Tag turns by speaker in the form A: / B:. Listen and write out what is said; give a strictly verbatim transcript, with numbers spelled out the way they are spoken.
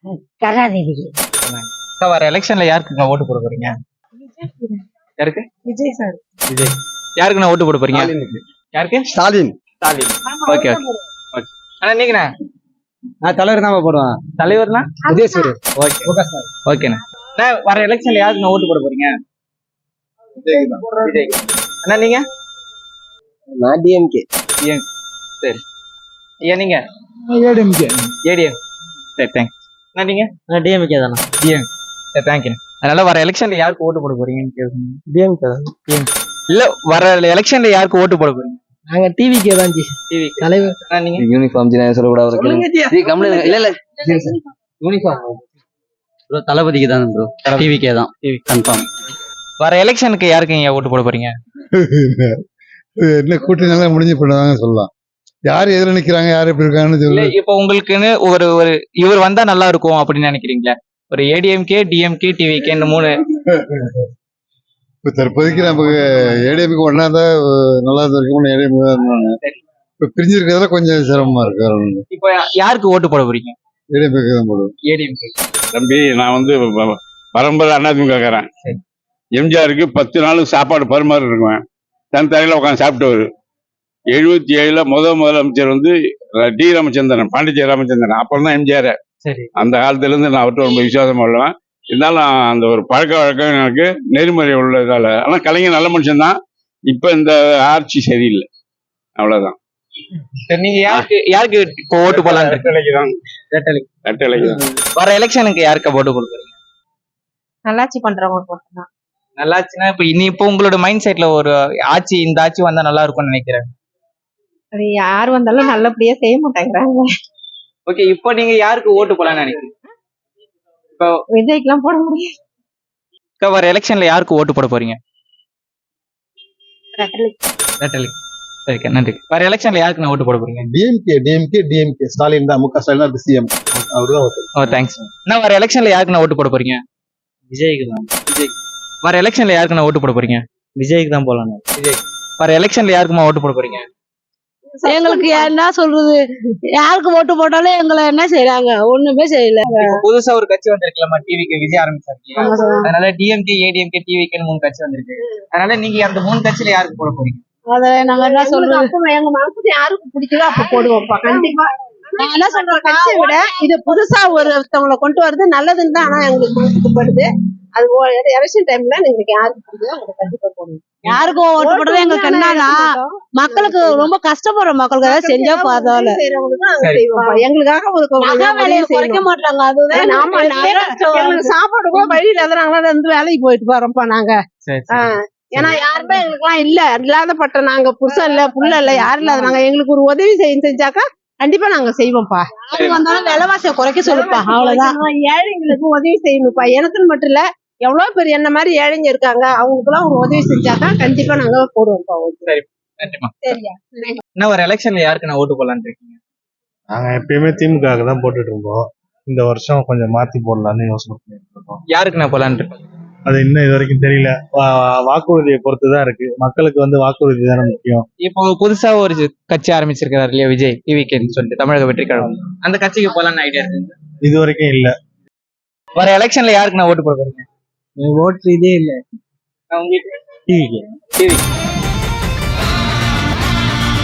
A: கருணாநிதிக்கு.
B: அக்கா, வர எலெக்ஷன்ல யாருக்குங்க ஓட்டு போட போறீங்க? யாருக்கு?
A: விஜய் சார்.
B: விஜய். யாருக்குண்ணா ஓட்டு போட போறீங்க? யாருக்கு?
C: Stalin.
B: Stalin. Okay okay okay. ஆனா நீங்கண்ணா?
C: நான் தலைவர் தான் போடுவேன்.
B: தலைவர்னா
C: விஜய்.
B: ஓகே ஓகேண்ணா. அண்ணா, வர எலெக்ஷன்ல யாருக்குண்ணா ஓட்டு போட போறீங்க? விஜய். அண்ணா நீங்க?
C: நான் டிஎம்கே.
B: சரி. ஐயா நீங்க?
C: ஏடிஎம்கே.
B: ஏடிஎம். சரி, தேங்க்ஸ். அண்ணா நீங்க?
C: டிஎம்கே தானே.
B: டிஎம். சரி, தேங்க்யூ. அதனால வர எலெக்ஷன்ல யாருக்கு ஓட்டு போட போறீங்கன்னு கேக்குறீங்க.
C: டிஎம்கே தான்.
B: டிஎம். இல்ல, வர எலெக்ஷன்ல யாருக்கு ஓட்டு போட போறீங்க?
C: நாங்க டிவிக்கே தான்.
B: டிவி
C: தலைவர்.
B: அண்ணா நீங்க?
C: யூனிஃபார்ம் ஜினா சொல்லக்கூடாது. இல்ல இல்ல யூனிஃபார்ம் ப்ரோ தளபதிக்கு தான் ப்ரோ. டிவிக்கே தான். TV confirm.
B: வர எலெக்ஷனுக்கு யாருக்கு நீங்க ஓட்டு போட போறீங்க?
D: என்ன கூட்டணி நல்லா முடிஞ்சு பண்ணுவாங்க சொல்லலாம். யார் எதிர நிக்கிறாங்க, யார் எப்படி இருக்காங்கன்னு
B: இல்ல,
D: சொல்லி.
B: இப்ப உங்களுக்குன்னு ஒரு ஒரு இவர் வந்தா நல்லா இருக்கும் அப்படின்னு நினைக்கிறீங்களா? ஒரு ஏடிஎம்கே, டிஎம்கே, டிவிகே இந்த மூணு.
D: இப்ப தற்போதைக்கு நமக்கு ஏடிஎம்கே ஒன்னா தான் நல்லா இருக்கும். ஏடிஎம்கே தான் இருந்தாங்க. இப்ப பிரிஞ்சிருக்கிறதுல கொஞ்சம் சிரமமா இருக்கு.
B: இப்ப யாருக்கு ஓட்டு போட போறீங்க?
D: ஏடிஎம்கே தான் போடுவோம்.
B: ஏடிஎம்கே.
E: தம்பி, நான் வந்து பரம்பரை அதிமுகக்காரன். எம்ஜிஆருக்கு பத்து நாளுக்கு சாப்பாடு பரிமாறி இருக்குவேன். தன் தலையில உட்காந்து சாப்பிட்டவர். எழுபத்தி ஏழுல முதல் முதலமைச்சர் வந்து டி ராமச்சந்திரன், பாண்டிச்சேரி ராமச்சந்திரன். அப்புறம் தான் எம்ஜிஆர். அந்த காலத்துல இருந்து நான் அவர்கிட்ட ரொம்ப விசுவாசமா உள்ளவன். இருந்தாலும் அந்த ஒரு பழக்க வழக்கம் எனக்கு நெறிமுறை உள்ளதால. ஆனா கலைஞர் நல்ல மனுஷன் தான். இப்ப இந்த ஆட்சி சரியில்லை, அவ்வளவுதான்.
B: நீங்க யாருக்கு யாருக்கு இப்போ ஓட்டு போடலாம்? வர எலெக்ஷனுக்கு யாருக்கு ஓட்டு போட போறீங்க?
A: நல்லாட்சி பண்றவங்க போட்டுதான்.
B: நல்லாச்சுன்னா இப்ப இனி இப்போ உங்களோட மைண்ட் செட்ல ஒரு ஆட்சி, இந்த ஆட்சி வந்தா நல்லா இருக்கும்னு நினைக்கிறேன்.
A: அது யார் வந்தாலும் நல்லபடியா செய்ய மாட்டேங்கிறாங்க.
B: ஓகே, இப்போ நீங்க யாருக்கு ஓட்டு போடலாம்னு நினைக்கிறீங்க? இப்போ
A: விஜய்க்கு எல்லாம் போட முடியாது.
B: வர எலெக்ஷன்ல யாருக்கு ஓட்டு போட போறீங்க? ஓகே, நன்றி. வர எலெக்ஷன்ல யாருக்கு நான் ஓட்டு போட போறீங்க?
D: டிஎம்கே டிஎம்கே டிஎம்கே ஸ்டாலின் தான். முக ஸ்டாலின் தான் சிஎம். அவருதான் ஓட்டு.
B: ஓ, தேங்க்ஸ். நான் வர எலெக்ஷன்ல யாருக்கு நான் ஓட்டு போட போறீங்க?
C: விஜய்க்கு தான்.
B: விஜய். வர எலெக்ஷன்ல யாருக்கு நான் ஓட்டு போட போறீங்க?
C: விஜய்க்கு தான் போலாம்.
B: விஜய். வர எலெக்ஷன்ல யாருக்குமா ஓட்டு போட போறீங்க?
F: எங்களுக்கு என்ன சொல்றது, யாருக்கு ஓட்டு போட்டாலும் எங்களை என்ன செய்யறாங்க, ஒண்ணுமே செய்யல.
B: புதுசா ஒரு கட்சி வந்திருக்கலாமா, டிவிக்கு விஜய் ஆரம்பிச்சாரு. அதனால டிஎம்கே, ஏடிஎம்கே, டிவிகேன்னு மூணு கட்சி வந்திருக்கு. அதனால நீங்க அந்த மூணு கட்சியில யாருக்கு போட போறீங்க?
F: அத நாங்க என்ன சொல்றது,
A: எங்க மனசுக்கு யாருக்கு பிடிக்குதோ அப்ப போடுவோம்ப்பா. கண்டிப்பா
F: நான் என்ன சொல்றேன்,
A: கட்சியை விட இது புதுசா ஒருத்தவங்களை கொண்டு வருது நல்லதுன்னு தான். ஆனா எங்களுக்கு மனசுக்கு படுது. அது எலெக்ஷன் டைம்ல நீங்களுக்கு யாருக்கு பிடிக்குதோ அவங்க கண்டிப்பா போடுவோம்.
F: யாருக்கும் ஓட்டு போடுறது எங்களுக்கு என்னன்னா, மக்களுக்கு ரொம்ப கஷ்டப்படுற மக்களுக்கு ஏதாவது செஞ்சா பரவாயில்ல.
A: எங்களுக்காக ஒரு
F: குறைக்க மாட்டாங்க. அதுதான்
A: சாப்பாடு கூட வழியில நாங்களா இருந்து வேலைக்கு போயிட்டு போறோம்ப்பா நாங்க. ஏன்னா யாருமே எங்களுக்கு எல்லாம் இல்ல, இல்லாதப்பட்ட நாங்க புருஷன் இல்ல, புள்ள இல்ல, யாரும் இல்லாத நாங்க. எங்களுக்கு ஒரு உதவி செய்ய செஞ்சாக்கா கண்டிப்பா நாங்க செய்வோம்ப்பா.
F: வந்தாலும் விலைவாசியை குறைக்க சொல்லுப்பா, அவ்வளவுதான்.
A: ஏழைங்களுக்கு உதவி செய்யணும்ப்பா. எனக்குன்னு மட்டும் இல்ல, எவ்வளவு பேர் என்ன மாதிரி ஏழைங்க இருக்காங்க, அவங்களுக்கு எல்லாம் ஒரு உதவி செஞ்சாக்கா கண்டிப்பா நாங்க போடுவோம்ப்பா.
B: சரியா? என்ன ஒரு எலெக்ஷன்ல யாருக்கு நான் ஓட்டு போடலான்னு இருக்கீங்க?
G: நாங்க எப்பயுமே திமுக தான் போட்டுட்டு இருந்தோம். இந்த வருஷம் கொஞ்சம் மாத்தி போடலாம்னு யோசனை பண்ணிட்டு இருக்கோம்.
B: யாருக்கு நான் போடலான்னு இருக்கேன்?
G: அது இன்னும் இது வரைக்கும் தெரியல. வாக்குறுதியை பொறுத்துதான் இருக்கு. மக்களுக்கு வந்து வாக்குறுதி தானே முக்கியம்.
B: இப்போ புதுசா ஒரு கட்சி ஆரம்பிச்சிருக்காரு இல்லையா, விஜய், டிவிகேன்னு சொல்லிட்டு, தமிழக வெற்றி கழகம். அந்த கட்சிக்கு போலான்னு ஐடியா இருக்கு?
G: இது வரைக்கும் இல்ல.
B: வர எலெக்ஷன்ல யாருக்கு நான் ஓட்டு போட போறீங்க?
C: ஓட்டு இதே இல்ல.
B: உங்களுக்கு
G: டிவிக்கு.
B: டிவி